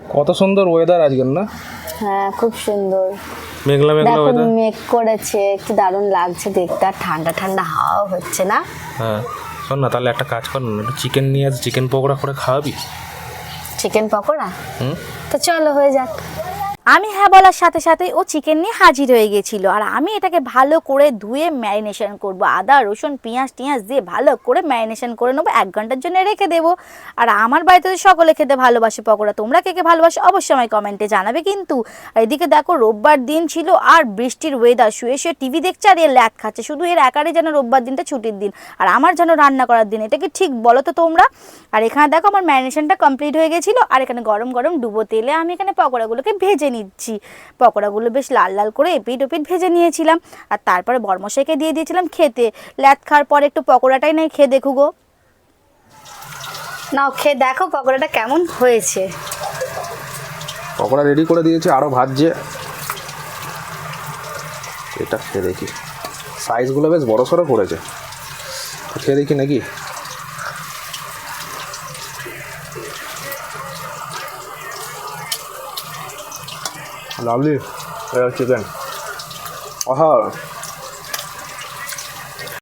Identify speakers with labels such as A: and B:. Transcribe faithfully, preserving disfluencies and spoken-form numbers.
A: কত সুন্দর ওয়েদার আজকের না?
B: হ্যাঁ খুব সুন্দর,
A: মেঘলা মেঘলা
B: দেখুন
A: ওয়েদার।
B: মেঘ করেছে, কি দারুণ লাগছে দেখতে, আর ঠান্ডা ঠান্ডা হাওয়া হচ্ছে না?
A: হ্যাঁ শোন না, তাহলে একটা কাজ কর না, একটু চিকেন নিয়ে আস, চিকেন পকোড়া করে খাওয়াবি।
B: চিকেন পকোড়া?
A: হুম,
B: তো চলো হয়ে যাক।
C: আমি হ্যাঁ বলার সাথে সাথে ও চিকেন নিয়ে হাজির হয়ে গেছিলো। আর আমি এটাকে ভালো করে ধুয়ে ম্যারিনেশন করব, আদা রসুন পেঁয়াজ টিয়াজ দিয়ে ভালো করে ম্যারিনেশন করে নেবো, এক ঘন্টার জন্য রেখে দেবো। আর আমার বাড়িতে তো সকলে খেতে ভালোবাসে পকোড়া, তোমরা কে কে ভালোবাসো অবশ্যই আমায় কমেন্টে জানাবে কিন্তু। আর এদিকে দেখো রোববার দিন ছিল আর বৃষ্টির ওয়েদার, শুয়ে শুয়ে টিভি দেখছে আর এর ল্যাদ খাচ্ছে, শুধু এর একারই যেন রোববার দিনটা ছুটির দিন আর আমার যেন রান্না করার দিন, এটা কি ঠিক বলো তো তোমরা? আর এখানে দেখো আমার ম্যারিনেশনটা কমপ্লিট হয়ে গেছিলো, আর এখানে গরম গরম ডুবো তেলে আমি এখানে পকোড়াগুলোকে ভেজে নিচ্ছি। পকোড়াগুলো বেশ লাল লাল করে এপিট ওপিট ভেজে নিয়েছিলাম, আর তারপরে বরমশাইকে দিয়ে দিয়েছিলাম খেতে। ল্যাদ খাওয়ার পরে একটু পকোড়াটাই নাই খেয়ে দেখু গো।
B: নাও খেয়ে দেখো পকোড়াটা কেমন হয়েছে।
A: পকোড়া রেডি করে দিয়েছে, আরও ভাজছে। এটা খেয়ে দেখি, সাইজগুলো বেশ বড় সড়ো করেছে, খেয়ে দেখি নাকি। লাভলি চিকেন, আহা